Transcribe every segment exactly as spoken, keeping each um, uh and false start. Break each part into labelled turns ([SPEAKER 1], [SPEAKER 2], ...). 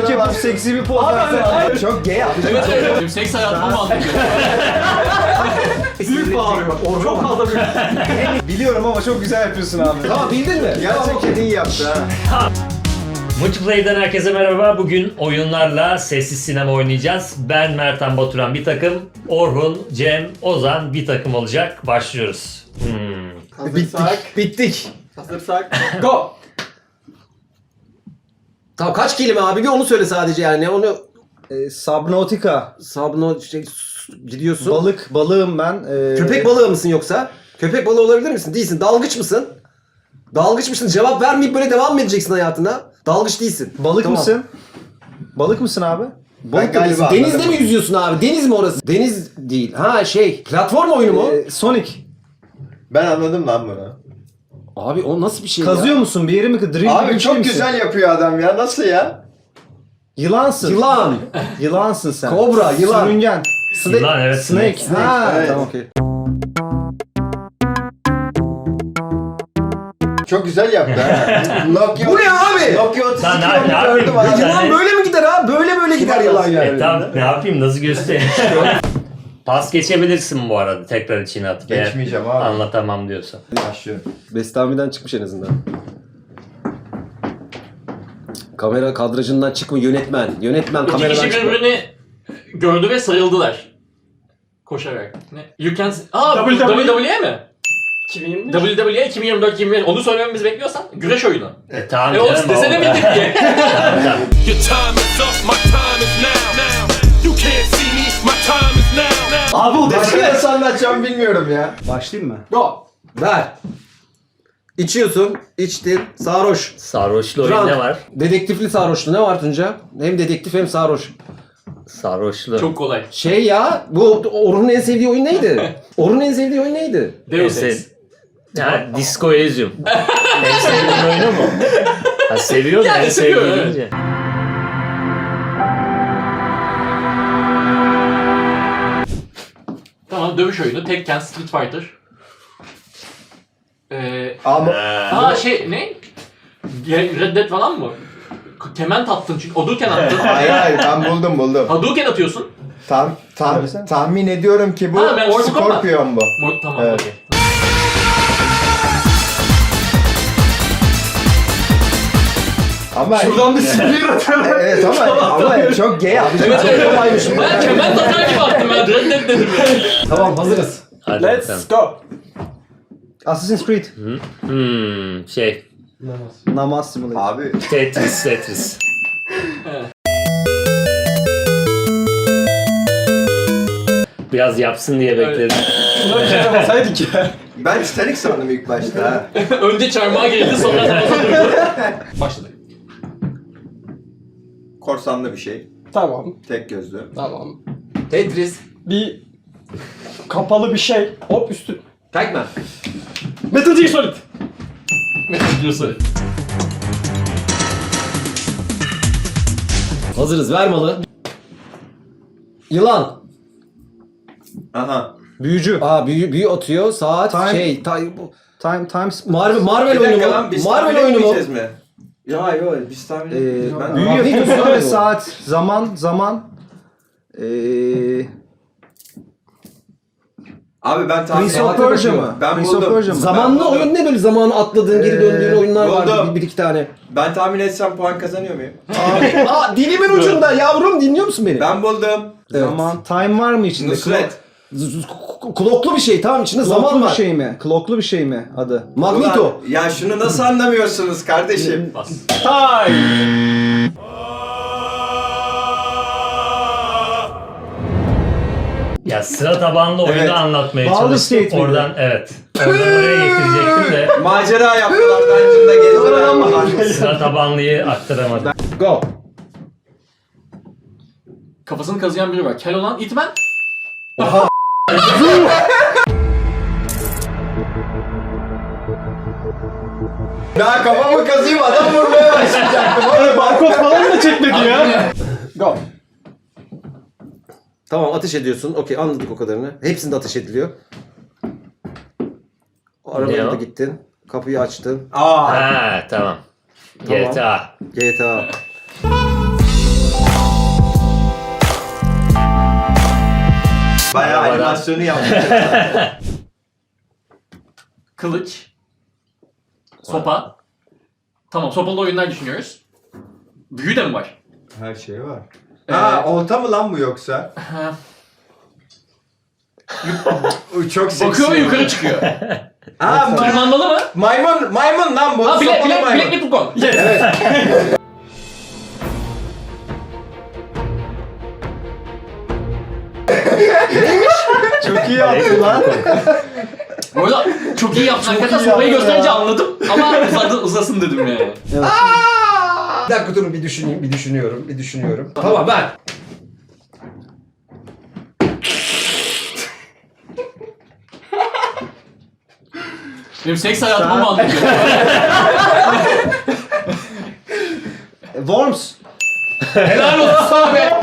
[SPEAKER 1] Panik yapıp seksi bir poz versene.
[SPEAKER 2] Çok gay abi.
[SPEAKER 3] Evet evet. Benim seks hayatıma mı aldın?
[SPEAKER 2] Büyük bağırıyor. Çok fazla büyük.
[SPEAKER 1] Biliyorum ama çok güzel yapıyorsun abi.
[SPEAKER 2] Tamam bildin mi?
[SPEAKER 1] Gerçekten iyi yaptı ha.
[SPEAKER 4] Multiplayer'dan herkese merhaba. Bugün oyunlarla sessiz sinema oynayacağız. Ben Mertan Baturan bir takım, Orhun, Cem, Ozan bir takım olacak. Başlıyoruz. Hmm.
[SPEAKER 2] Hazırsak.
[SPEAKER 1] Bittik.
[SPEAKER 2] Hazırsak. Go. Tamam kaç kelime abi bir onu söyle sadece yani onu
[SPEAKER 1] Ee, Subnautica.
[SPEAKER 2] sabno şey, gidiyorsun.
[SPEAKER 1] Balık, balığım ben. Ee,
[SPEAKER 2] Köpek balığı mısın yoksa? Köpek balığı olabilir misin? Değilsin. Dalgıç mısın? Dalgıç mısın? Cevap vermeyip böyle devam mı edeceksin hayatına? Dalgıç değilsin.
[SPEAKER 1] Balık
[SPEAKER 2] Tamam.
[SPEAKER 1] mısın? Balık mısın abi?
[SPEAKER 2] Balık da değilsin. Denizde mi yüzüyorsun abi? Deniz mi orası? Deniz değil. Ha şey. Platform oyunu mu?
[SPEAKER 1] Ee, Sonic.
[SPEAKER 5] Ben anladım lan bunu.
[SPEAKER 2] Abi o nasıl bir şey
[SPEAKER 1] Kazıyor
[SPEAKER 2] ya?
[SPEAKER 1] musun? Bir yeri mi? Drill gibi
[SPEAKER 5] Abi
[SPEAKER 1] bir şey
[SPEAKER 5] çok
[SPEAKER 1] misin?
[SPEAKER 5] güzel yapıyor adam ya. Nasıl ya?
[SPEAKER 1] Yılansın.
[SPEAKER 2] Yılan.
[SPEAKER 1] Yılansın sen.
[SPEAKER 2] Kobra, yılan.
[SPEAKER 1] Sürüngen.
[SPEAKER 4] Yılan, evet,
[SPEAKER 1] Snake.
[SPEAKER 4] snake.
[SPEAKER 1] Ha,
[SPEAKER 5] Evet.
[SPEAKER 1] tamam okey.
[SPEAKER 5] Çok güzel yaptı ha. Nokia,
[SPEAKER 2] Bu ne abi?
[SPEAKER 5] Nokia otuz
[SPEAKER 4] Lan
[SPEAKER 5] iki
[SPEAKER 4] ne- ne
[SPEAKER 5] onu
[SPEAKER 4] yapayım?
[SPEAKER 5] gördüm
[SPEAKER 4] Ya
[SPEAKER 5] abi.
[SPEAKER 4] yılan-
[SPEAKER 2] Yılan böyle mi gider ha? Böyle böyle gider yılan
[SPEAKER 4] E,
[SPEAKER 2] yani.
[SPEAKER 4] tamam, ne yapayım, nasıl göstereyim? Pas geçebilirsin bu arada, tekrar içine atıp. eğer
[SPEAKER 5] Geçmeyeceğim abi.
[SPEAKER 4] Anlatamam diyorsan.
[SPEAKER 5] Başlıyorum.
[SPEAKER 2] Bestami'den çıkmış en azından. Kamera kadrajından çıkma yönetmen. Yönetmen
[SPEAKER 3] İki
[SPEAKER 2] kameradan
[SPEAKER 3] kişi
[SPEAKER 2] çıkma.
[SPEAKER 3] birbirini gördü ve sarıldılar. Koşarak. Ne? You can... Aa, W W E mi?
[SPEAKER 6] iki bin yirmi
[SPEAKER 3] W W E iki bin yirmi dört iki bin yirmi Onu söylememizi bekliyorsan güreş oyunu.
[SPEAKER 4] E, tamam
[SPEAKER 3] E oğlum
[SPEAKER 4] canım,
[SPEAKER 3] desene
[SPEAKER 4] oldu.
[SPEAKER 3] bildik diye.
[SPEAKER 4] Tamam, tamam.
[SPEAKER 7] Your time is up, my time is now. now. You can't see me, my time is now. now.
[SPEAKER 1] Abi o
[SPEAKER 5] Başka nasıl anlatacağım bilmiyorum ya.
[SPEAKER 1] Başlayayım mı?
[SPEAKER 2] Go. Ver. İçiyorsun, içtin, sarhoş.
[SPEAKER 4] Sarhoşlu oyun ne var?
[SPEAKER 2] Dedektifli sarhoşlu ne var Tunca? Hem dedektif hem sarhoş.
[SPEAKER 4] Sarhoşlu.
[SPEAKER 3] Çok kolay.
[SPEAKER 2] Şey ya, bu Orhun'un en sevdiği oyun neydi? Orhun'un en sevdiği oyun neydi?
[SPEAKER 3] Deus
[SPEAKER 4] En
[SPEAKER 3] Ex.
[SPEAKER 4] sev- Ha, Disco Elysium. En sevdiğin oyunu mu? Ha, seviyor da
[SPEAKER 3] Yani
[SPEAKER 4] en
[SPEAKER 3] seviyor,
[SPEAKER 4] sevdiğin
[SPEAKER 3] evet.
[SPEAKER 4] deyince.
[SPEAKER 3] Tamam, dövüş oyunu. Tekken, Street Fighter. Ee,
[SPEAKER 5] Ama
[SPEAKER 3] aa şey ne? Ge- Red Dead falan mı? K- Kement attın çünkü. Hadouken attın.
[SPEAKER 5] hayır hayır ben buldum buldum.
[SPEAKER 3] Hadouken atıyorsun.
[SPEAKER 5] Tam, tam,
[SPEAKER 1] Söylesene.
[SPEAKER 5] tahmin ediyorum ki bu
[SPEAKER 3] Ha, ben Mortal Kombat.
[SPEAKER 5] Scorpion bu.
[SPEAKER 3] Mo- tamam
[SPEAKER 5] Evet.
[SPEAKER 3] okey.
[SPEAKER 5] Ama
[SPEAKER 1] Şuradan bir sinir atıyorum.
[SPEAKER 5] evet ama ama çok gay abi.
[SPEAKER 3] Evet evet.
[SPEAKER 2] Kolaymış bu.
[SPEAKER 3] Ben kement atar gibi attım ben. Red Dead dedim ya.
[SPEAKER 2] Tamam hazırız.
[SPEAKER 4] Hadi bakalım.
[SPEAKER 6] Let's go.
[SPEAKER 1] Assassin's Creed.
[SPEAKER 4] Hmm, şey.
[SPEAKER 1] Namaz Simulator.
[SPEAKER 5] Abi
[SPEAKER 4] Tetris, Tetris. Biraz yapsın diye bekledim.
[SPEAKER 6] Buna bir şey yapmasaydık ya.
[SPEAKER 5] ben Titanic sandım ilk başta ha.
[SPEAKER 3] Önce çarmıha girdi sonra namaza durdu. Başladı.
[SPEAKER 5] Korsanlı bir şey.
[SPEAKER 6] Tamam,
[SPEAKER 5] Tek gözlü.
[SPEAKER 6] tamam.
[SPEAKER 2] Tetris.
[SPEAKER 6] Bir kapalı bir şey. Hop üstü.
[SPEAKER 2] Pac-Man.
[SPEAKER 6] Metal Gear Solid.
[SPEAKER 3] Metal Gear Solid.
[SPEAKER 2] Hazırız ver malı. Yılan.
[SPEAKER 5] Aha.
[SPEAKER 1] Büyücü.
[SPEAKER 2] Aa büyü, büyü atıyor. Saat
[SPEAKER 1] Time.
[SPEAKER 2] şey. Tay, bu-
[SPEAKER 1] Time, Times.
[SPEAKER 2] Marvel, Marvel
[SPEAKER 5] Bir
[SPEAKER 2] oyunu
[SPEAKER 5] dakika
[SPEAKER 2] mu?
[SPEAKER 5] lan biz
[SPEAKER 2] Marvel
[SPEAKER 5] tahmin
[SPEAKER 2] oyunu mu?
[SPEAKER 5] etmeyeceğiz mi? Ya yok biz tahmin
[SPEAKER 1] Ee,
[SPEAKER 5] etmeyeceğiz. Ben-
[SPEAKER 1] büyü
[SPEAKER 2] Magneto
[SPEAKER 1] yapıyorsun
[SPEAKER 2] Marvel
[SPEAKER 1] ve
[SPEAKER 2] o.
[SPEAKER 1] saat, zaman, zaman. Ee,
[SPEAKER 5] Abi ben tahmin
[SPEAKER 1] Prince of
[SPEAKER 5] etmedim.
[SPEAKER 1] Persia mı?
[SPEAKER 5] Ben
[SPEAKER 1] Prince of
[SPEAKER 5] buldum.
[SPEAKER 1] Persia mı?
[SPEAKER 2] Zamanlı
[SPEAKER 5] Ben buldum.
[SPEAKER 2] oyun ne böyle zamanı atladığın, geri
[SPEAKER 1] Ee,
[SPEAKER 2] döndüğün oyunlar vardı
[SPEAKER 5] buldum.
[SPEAKER 2] bir, bir iki tane.
[SPEAKER 5] Ben tahmin etsem puan kazanıyor muyum?
[SPEAKER 2] Aa dilimin ucunda yavrum dinliyor musun beni?
[SPEAKER 5] Ben buldum.
[SPEAKER 2] Evet.
[SPEAKER 1] Zaman, time var mı içinde?
[SPEAKER 5] Nusret.
[SPEAKER 2] Z- z- k- Kloklu bir şey tamam içinde
[SPEAKER 1] Kloklu
[SPEAKER 2] zaman
[SPEAKER 1] bir
[SPEAKER 2] var.
[SPEAKER 1] şey mi? Kloklu bir şey mi adı?
[SPEAKER 2] Magneto.
[SPEAKER 5] Ulan, ya şunu nasıl anlamıyorsunuz kardeşim?
[SPEAKER 3] Bas.
[SPEAKER 6] Time.
[SPEAKER 4] Ya sıra tabanlı oyunu
[SPEAKER 5] Evet.
[SPEAKER 4] anlatmaya
[SPEAKER 1] Baldur's
[SPEAKER 4] çalıştım.
[SPEAKER 1] Gate miydi?
[SPEAKER 4] Oradan evet. Oradan oraya getirecektim de
[SPEAKER 5] Macera yaptılar, dungeon'da gezdiler falan.
[SPEAKER 4] sıra tabanlıyı aktaramadım.
[SPEAKER 2] Go.
[SPEAKER 3] Kafasını kazıyan biri var. Kel olan Hitman.
[SPEAKER 5] Daha kafamı kazıyım adam vurmaya başlayacaktım.
[SPEAKER 6] Öyle barkod falan da çekmedi ya. Go.
[SPEAKER 2] Tamam ateş ediyorsun. Okey anladık o kadarını. Hepsinde ateş ediliyor. O arabaya
[SPEAKER 4] Ne
[SPEAKER 2] da
[SPEAKER 4] o?
[SPEAKER 2] gittin. Kapıyı açtın.
[SPEAKER 5] Aa.
[SPEAKER 4] Ha tamam.
[SPEAKER 2] Tamam.
[SPEAKER 4] G T A.
[SPEAKER 2] G T A.
[SPEAKER 5] Bayağı
[SPEAKER 4] Arabadan.
[SPEAKER 5] animasyonu yapmış.
[SPEAKER 3] Kılıç. Sopa. Tamam, sopalı oyunlar düşünüyoruz. Büyü de mi var?
[SPEAKER 5] Her şey var. Ha, olta mı lan bu yoksa?
[SPEAKER 3] Ha.
[SPEAKER 5] Bu çok seksi.
[SPEAKER 3] Bakıyor ve yukarı çıkıyor.
[SPEAKER 5] Ha, ma-
[SPEAKER 3] Tırmanmalı mı?
[SPEAKER 5] maymun, maymun lan bu.
[SPEAKER 3] Ha, bilek,
[SPEAKER 5] Sopalı
[SPEAKER 3] bilek,
[SPEAKER 5] maymun.
[SPEAKER 3] bilekli Pukon.
[SPEAKER 5] Evet.
[SPEAKER 1] Çok iyi yaptın lan.
[SPEAKER 3] Bu arada çok iyi yaptın. Hakikaten
[SPEAKER 1] iyi
[SPEAKER 3] sopayı
[SPEAKER 1] yaptın
[SPEAKER 3] gösterince
[SPEAKER 1] ya.
[SPEAKER 3] anladım. Ama uzadı, uzasın dedim yani.
[SPEAKER 2] Bir dakika durun bir düşüneyim, bir düşünüyorum, bir düşünüyorum. Tamam ben.
[SPEAKER 3] Benim seks hayatımı mı anlatıyor?
[SPEAKER 1] Worms.
[SPEAKER 3] Helal olsun sana be.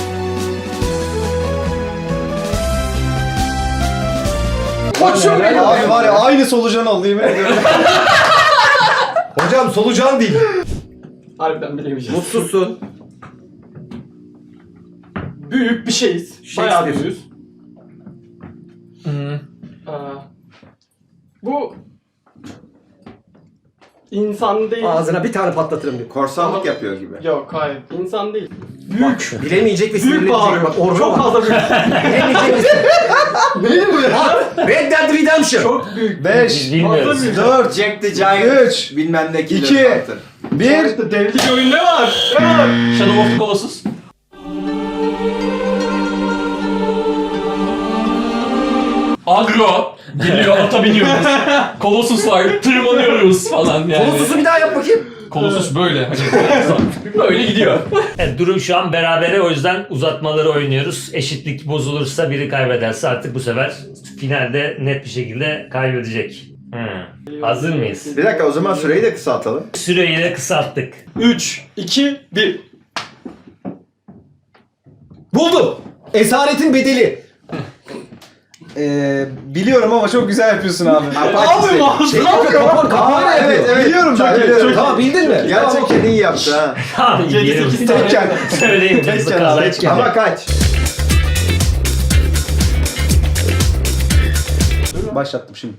[SPEAKER 2] Koçum benim.
[SPEAKER 1] Abi var ya aynı solucan oldu yemin ediyorum.
[SPEAKER 2] Hocam solucan değil.
[SPEAKER 6] Harbiden bilemeyeceğiz.
[SPEAKER 2] Mutsuzsun.
[SPEAKER 6] Büyük bir şeyiz. Bayağı
[SPEAKER 2] Shakespeare.
[SPEAKER 6] büyüğüz. Aa, bu insan değil.
[SPEAKER 2] Ağzına bir tane patlatırım diyor.
[SPEAKER 5] Korsanlık yapıyor gibi.
[SPEAKER 6] Yok hayır. İnsan değil.
[SPEAKER 2] Büyük. Bilemeyecek ve
[SPEAKER 6] Büyük
[SPEAKER 2] sinirlenecek.
[SPEAKER 6] bağırıyor.
[SPEAKER 2] Bak orada
[SPEAKER 6] Çok
[SPEAKER 2] bak.
[SPEAKER 6] fazla büyük.
[SPEAKER 2] Bilemeyecek misin?
[SPEAKER 6] Değil bu ya?
[SPEAKER 2] Red Dead Redemption.
[SPEAKER 6] Çok büyük.
[SPEAKER 1] beş,
[SPEAKER 4] Bilmiyoruz.
[SPEAKER 1] dört,
[SPEAKER 5] Jack the Giant.
[SPEAKER 1] üç,
[SPEAKER 5] Bilmem ne killer
[SPEAKER 1] iki,
[SPEAKER 5] Hunter.
[SPEAKER 1] bir.
[SPEAKER 6] İşte devlik oyun ne var? Ne var?
[SPEAKER 3] Shadow of the Colossus. Agro. Geliyor, ata biniyoruz. Colossus var, tırmanıyoruz falan yani.
[SPEAKER 2] Kolosusu bir daha yap bakayım.
[SPEAKER 3] Colossus böyle. Hani böyle gidiyor.
[SPEAKER 4] Evet, durum şu an berabere, o yüzden uzatmaları oynuyoruz. Eşitlik bozulursa biri kaybederse artık bu sefer finalde net bir şekilde kaybedecek. Hmm. Hazır mıyız?
[SPEAKER 5] Bir dakika o zaman süreyi de kısaltalım.
[SPEAKER 4] Süreyi de kısalttık.
[SPEAKER 6] üç, iki, bir.
[SPEAKER 2] Buldum. Esaretin bedeli.
[SPEAKER 1] Ee, biliyorum ama çok güzel yapıyorsun abi.
[SPEAKER 6] Abi ağzına
[SPEAKER 2] Şey yapıyor, kapan, kapağıyla
[SPEAKER 1] Aa,
[SPEAKER 2] yapıyor.
[SPEAKER 1] evet evet biliyorum ben.
[SPEAKER 6] iyi,
[SPEAKER 1] biliyorum.
[SPEAKER 6] çok iyi.
[SPEAKER 2] Tamam bildin mi?
[SPEAKER 1] Gerçekten iyi yaptı ha.
[SPEAKER 4] Tamam,
[SPEAKER 6] yedi,
[SPEAKER 4] yerim.
[SPEAKER 6] sekiz tane.
[SPEAKER 1] Tekken.
[SPEAKER 4] Söyleyeyim. Hızlı
[SPEAKER 1] Tekken,
[SPEAKER 4] kahve
[SPEAKER 1] tekken.
[SPEAKER 4] çıkacak.
[SPEAKER 5] Ama kaç?
[SPEAKER 1] Başlattım şimdi.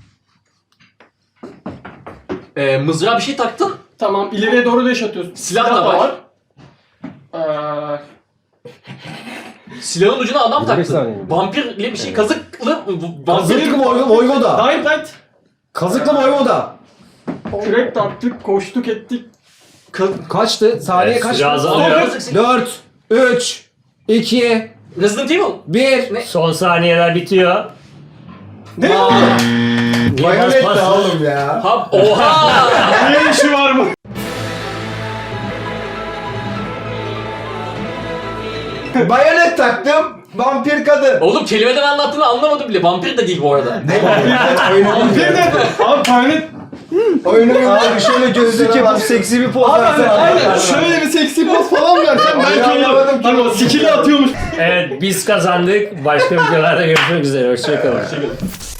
[SPEAKER 3] Ee, mızrağa bir şey taktın.
[SPEAKER 6] Tamam ileriye doğru deş atıyorsun.
[SPEAKER 3] Silah da var.
[SPEAKER 6] Ee,
[SPEAKER 3] Silahın ucuna adam
[SPEAKER 2] Yirmi saniye
[SPEAKER 3] taktın.
[SPEAKER 2] mi?
[SPEAKER 3] Vampirli bir şey, kazıklı.
[SPEAKER 2] Kazıklı
[SPEAKER 3] Vampir.
[SPEAKER 2] Voy- Voyvoda.
[SPEAKER 6] Dying Light.
[SPEAKER 2] Kazıklı Voyvoda.
[SPEAKER 6] Kürek taktık, koştuk ettik.
[SPEAKER 2] Ka- kaçtı? Saniye
[SPEAKER 4] Evet,
[SPEAKER 2] kaçtı?
[SPEAKER 4] süre azalıyor.
[SPEAKER 2] dört, üç, iki,
[SPEAKER 3] Resident Evil.
[SPEAKER 2] bir.
[SPEAKER 4] Son saniyeler bitiyor.
[SPEAKER 6] Ne?
[SPEAKER 4] Niye
[SPEAKER 5] Bayonet
[SPEAKER 4] bas
[SPEAKER 5] de
[SPEAKER 4] bas?
[SPEAKER 5] oğlum ya.
[SPEAKER 3] Ha, oha!
[SPEAKER 6] Ne işi var bu?
[SPEAKER 5] Bayonet taktım. Vampir kadın.
[SPEAKER 3] Oğlum kelimeden anlattığını anlamadım bile. Vampir de değil bu arada.
[SPEAKER 6] Bir de abi tane
[SPEAKER 5] Oyunu
[SPEAKER 1] Abi şöyle gözlük yapıp seksi bir poz
[SPEAKER 6] abi hani
[SPEAKER 1] versene.
[SPEAKER 6] aynen şöyle bir seksi poz falan versen
[SPEAKER 5] Onu
[SPEAKER 6] belki
[SPEAKER 5] anlamadım ki.
[SPEAKER 6] hani o skill'i atıyormuş.
[SPEAKER 4] Evet, biz kazandık. Başka videolarda görüşmek üzere. Hoşçakalın.